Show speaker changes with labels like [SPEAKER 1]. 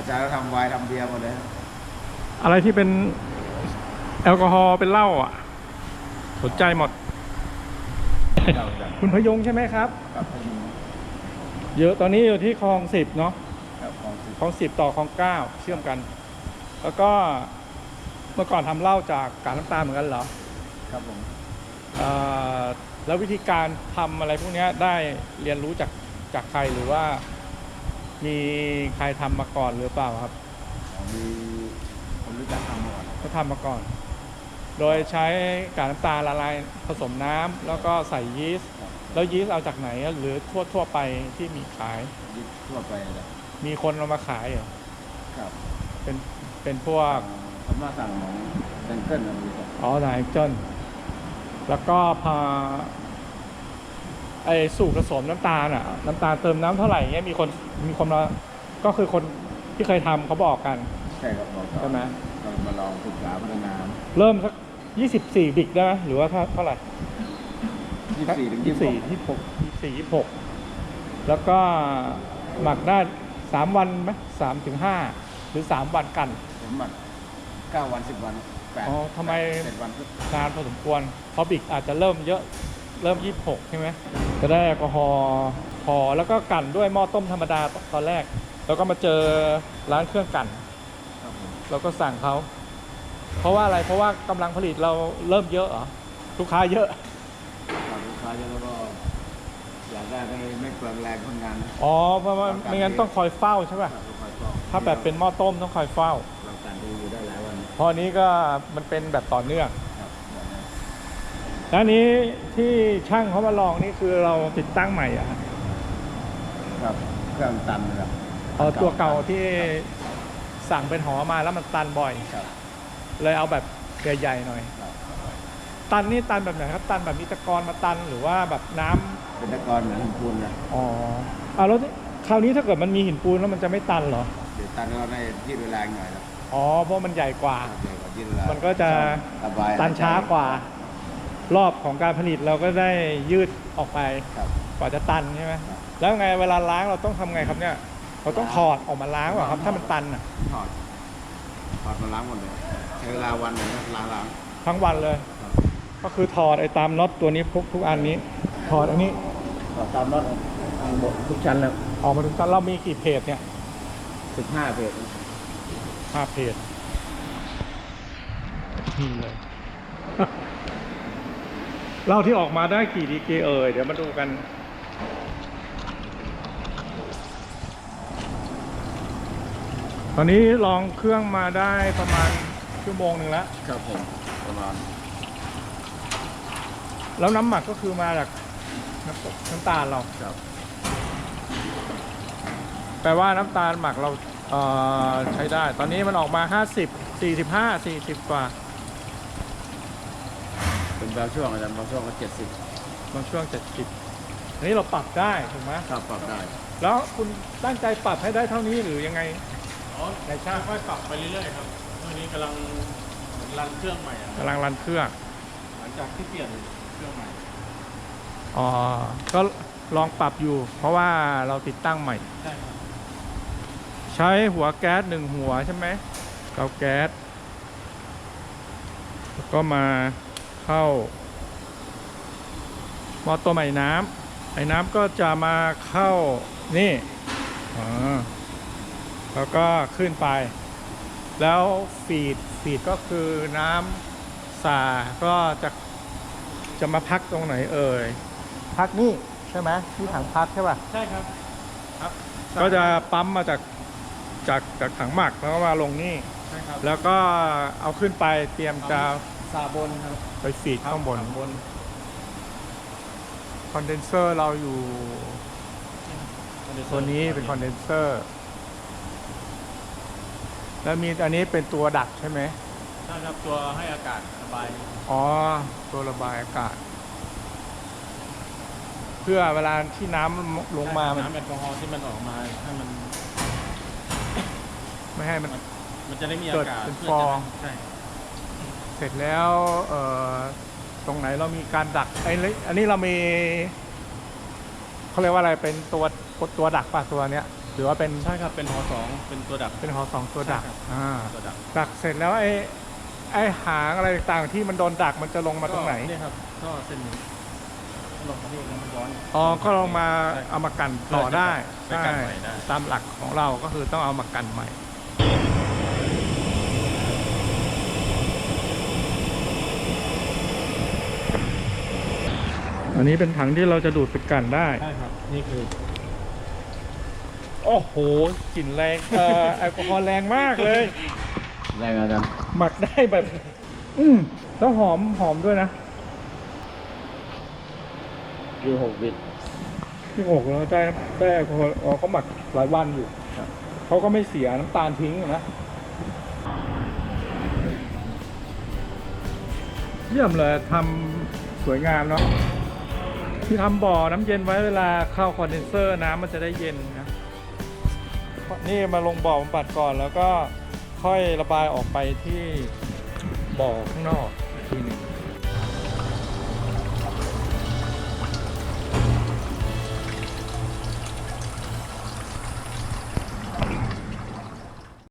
[SPEAKER 1] จารย์ทำไวน์ทำเบียร์หมดเลย
[SPEAKER 2] อะไรที่เป็นแอลกอฮอล์เป็นเหล้าอ่ะสนใจหมด คุณพยงใช่ไหมครับ
[SPEAKER 1] กับ
[SPEAKER 2] เยอะตอนนี้อยู่ที่คลอง10เนาะคลอง10ต่อคลอง9เชื่อมกัน แล้วก็เมื่อก่อนทำเหล้าจากกากน้ำตาลเหมือนกันเหรอ
[SPEAKER 1] ครับผม
[SPEAKER 2] แล้ววิธีการทำอะไรพวกนี้ได้เรียนรู้จากใครหรือว่ามีใครทำมาก่อนหรือเปล่าครับ
[SPEAKER 1] มีคนรู้จักทำมาก่อน
[SPEAKER 2] เขาทำมาก่อน โดยใช้กากน้ำตาลละลายผสมน้ำแล้วก็ใส่ยีสต์แล้วยีสต์เอาจากไหนหรือทั่วไปที่มีขาย
[SPEAKER 1] ยีสต์ทั่วไปเลย
[SPEAKER 2] มีคนเอามาขายเหรอ
[SPEAKER 1] ครับ
[SPEAKER 2] เป็นพวก
[SPEAKER 1] ผมมาสั่งของแซงเกิลนะพี่
[SPEAKER 2] อ๋อไหนเจิ้นแล้วก็พาไอ้สูตรผสมน้ำตาลอ่ะน้ำตาลเติมน้ำเท่าไหร่เงี้ยมีคนมาก็คือคนที่เคยทำเขาบอกกัน
[SPEAKER 1] ใช่ครับบอก
[SPEAKER 2] ใช่ไหม
[SPEAKER 1] เรามาลองศึกษาพัฒนา
[SPEAKER 2] เริ่มสัก24บิกได้ไหมหรือว่าเท่าไหร่
[SPEAKER 1] 24 ถึง
[SPEAKER 2] 26แล้วก็หมักได้3 วันไหม3 ถึง 5หรือ3 วันกัน
[SPEAKER 1] ผมหมัก9 วัน10 วัน
[SPEAKER 2] อ๋อทำไม
[SPEAKER 1] 7 วัน
[SPEAKER 2] นานพอสมควรเพราะบิกอาจจะเริ่มเยอะเริ่ม26ใช่ไหมจะได้แอลกอฮอล์พอแล้วก็กั่นด้วยหม้อต้มธรรมดาตอนแรกแล้วก็มาเจอร้านเครื่องกั่นเราก็สั่งเขาเพราะว่าอะไรเพราะว่ากำลังผลิตเราเริ่มเยอะเหรอลูกค้าเยอะ
[SPEAKER 1] ลูกค้าเยอะแล้วก็อยากได้ไม่เปลืองแรงคนงาน
[SPEAKER 2] อ๋อเพราะว่าไม่งั้นต้องคอยเฝ้าใช่ป่ะถ้าแบบเป็นหม้อต้มต้องคอยเฝ้า
[SPEAKER 1] เราการดูอยู่ได้หลายวัน
[SPEAKER 2] พอนี้ก็มันเป็นแบบต่อเนื่องแล้วนี้ที่ช่างเขามาลองนี่คือเราติดตั้งใหม่อ่ะ
[SPEAKER 1] ครับเครื่องตันครับ
[SPEAKER 2] ตัวเก่าที่สั่งเป็นหอมาแล้วมันตันบ่อยเลยเอาแบบใหญ่ๆหน่อยตันนี่ตันแบบไหนครับตันแบบมีตะกอนมาตันหรือว่าแบบน้ำ
[SPEAKER 1] เป็นตะกอนเหมือนหินปูนนะ
[SPEAKER 2] อ๋อแล้วคราวนี้ถ้าเกิดมันมีหินปูนแล้วมันจะไม่ตันเหรอ
[SPEAKER 1] เดี๋ยวตันก็ได้ยืดเวลาหน่อยครับ
[SPEAKER 2] อ๋อเพราะมันใหญ่กว่ามันก็จะ
[SPEAKER 1] ตั
[SPEAKER 2] นช้ากว่ารอบของการผลิตเราก็ได้ยืดออกไปกว่าจะตันใช่ไหมแล้วไงเวลาล้างเราต้องทำไงครับเนี่ยเราต้องถอดออกมาล้างว่ะครับถ้ามันตันอ่ะ
[SPEAKER 1] ถอดมาล้างหมดเลยใช้เวลาวันหนึ่งล้าง
[SPEAKER 2] ทั้งวันเลยก็คือถอดไอ้ตามน็อตตัวนี้ทุกอันนี้ถอดอันนี้
[SPEAKER 1] ถอดตามน็อตหมดทุกชั้นแล้ว
[SPEAKER 2] ออกมาทุกชั้นเรามีกี่เพจเนี่ย
[SPEAKER 1] 15 เพจ
[SPEAKER 2] 5 เพจนี่เลยเหล้าที่ออกมาได้กี่ดีเกเดี๋ยวมาดูกันตอนนี้ลองเครื่องมาได้ประมาณชั่วโมงหนึ่งแล้ว
[SPEAKER 1] ครับผมประมาณ
[SPEAKER 2] แล้วน้ำหมักก็คือมาจากน้ำตาลเรา
[SPEAKER 1] ครับ
[SPEAKER 2] แปลว่าน้ำตาลหมักเราใช้ได้ตอนนี้มันออกมา50 45 40กว่า
[SPEAKER 1] เป็นบางช่วงอาจารย์บางช่วงก็70
[SPEAKER 2] บางช่วง70อันนี้เราปรับได้ถูกไหม
[SPEAKER 1] ครับปรับได้
[SPEAKER 2] แล้วคุณตั้งใจปรับให้ได้เท่านี้หรือยังไง
[SPEAKER 3] ในช่างค่อยปรับไปเรื่อยๆครับตอนนี้กำลังรันเครื่องใหม่
[SPEAKER 2] กำลังรันเครื่อง
[SPEAKER 3] หลังจากที่เปลี่ยนเครื่องใหม่
[SPEAKER 2] อ๋อก็ลองปรับอยู่เพราะว่าเราติดตั้งใหม่
[SPEAKER 3] ใช่ครับ
[SPEAKER 2] ใช้หัวแก๊ส1 หัวใช่ไหมเตาแก๊สแล้วก็มาเข้าหม้อต้มไอ้น้ำก็จะมาเข้านี่แล้วก็ขึ้นไปแล้วฟีดก็คือน้ำสาก็จะมาพักตรงไหนพักนี่ใช่ไหมที่ถังพักใช่ป่ะ
[SPEAKER 3] ใช่ครับ
[SPEAKER 2] ก็จะปั๊มมาจากถังหมักแล้วก็มาลงนี่
[SPEAKER 3] ใช่ครับ
[SPEAKER 2] แล้วก็เอาขึ้นไปเตรียมจะ
[SPEAKER 3] สาบนครับ
[SPEAKER 2] ไปฟีดข้างบนคอนเดนเซอร์เราอยู่ตัวนี้เป็นคอนเดนเซอร์แล้วมีอันนี้เป็นตัวดักใช่ไหม
[SPEAKER 3] ใช่ครับตัวให้อากาศระบาย
[SPEAKER 2] อ๋อตัวระบายอากาศเพื่อเวลาที่น้ำลงมา
[SPEAKER 3] น้ำแอลกอฮอล์ที่มันออกมาให้มัน
[SPEAKER 2] ไม่ให้
[SPEAKER 3] มันจะได้มีอากาศ
[SPEAKER 2] เป็นฟอง
[SPEAKER 3] ใช่
[SPEAKER 2] เสร็จแล้วตรงไหนเรามีการดักอันนี้เรามีเขาเรียกว่าอะไรเป็นตัวดักป่ะตัวเนี้ยรือว่าเป็น
[SPEAKER 3] ใช่ครับเป็นฮอ2เป็นตัวดัก
[SPEAKER 2] เป็นหอ2ตัวดัก
[SPEAKER 3] ใช่ครับ ตัวดัก
[SPEAKER 2] ดักเสร็จแล้วไอ้หางอะไรต่างๆที่มันโดนดักมันจะลงมาตรงไหน
[SPEAKER 3] เนี่ยครับก็เส้นนี้ลงมาที่แล้วมันย้อน
[SPEAKER 2] อ๋อก็ลงมาเอามากันต่อได้
[SPEAKER 3] ไปกันใหม่ได้
[SPEAKER 2] ตามหลักของเราก็คือต้องเอามากันใหม่ อันนี้เป็นถังที่เราจะดูดไปกันได้
[SPEAKER 3] ใช่ครับนี่คือ
[SPEAKER 2] โอ้โหกลิ่นแรงแอลกอฮอล์แรงมากเลย
[SPEAKER 1] แรงอาจารย์
[SPEAKER 2] หมักได้แบบ แล้วหอมด้วยนะ
[SPEAKER 1] คือ6 บิต
[SPEAKER 2] ที่อกแล้วได้แอลกอฮอล์เขาหมักหลายวันอยู่เขาก็ไม่เสียน้ำตาลทิ้งนะเยี่ยมเลยทำสวยงามเนาะที่ทำบ่อน้ำเย็นไว้เวลาเข้าคอนเดนเซอร์น้ำมันจะได้เย็นนะนี่มาลงบ่อบำบัดก่อนแล้วก็ค่อยระบายออกไปที่บ่อข้างนอกอีกทีหนึ่ง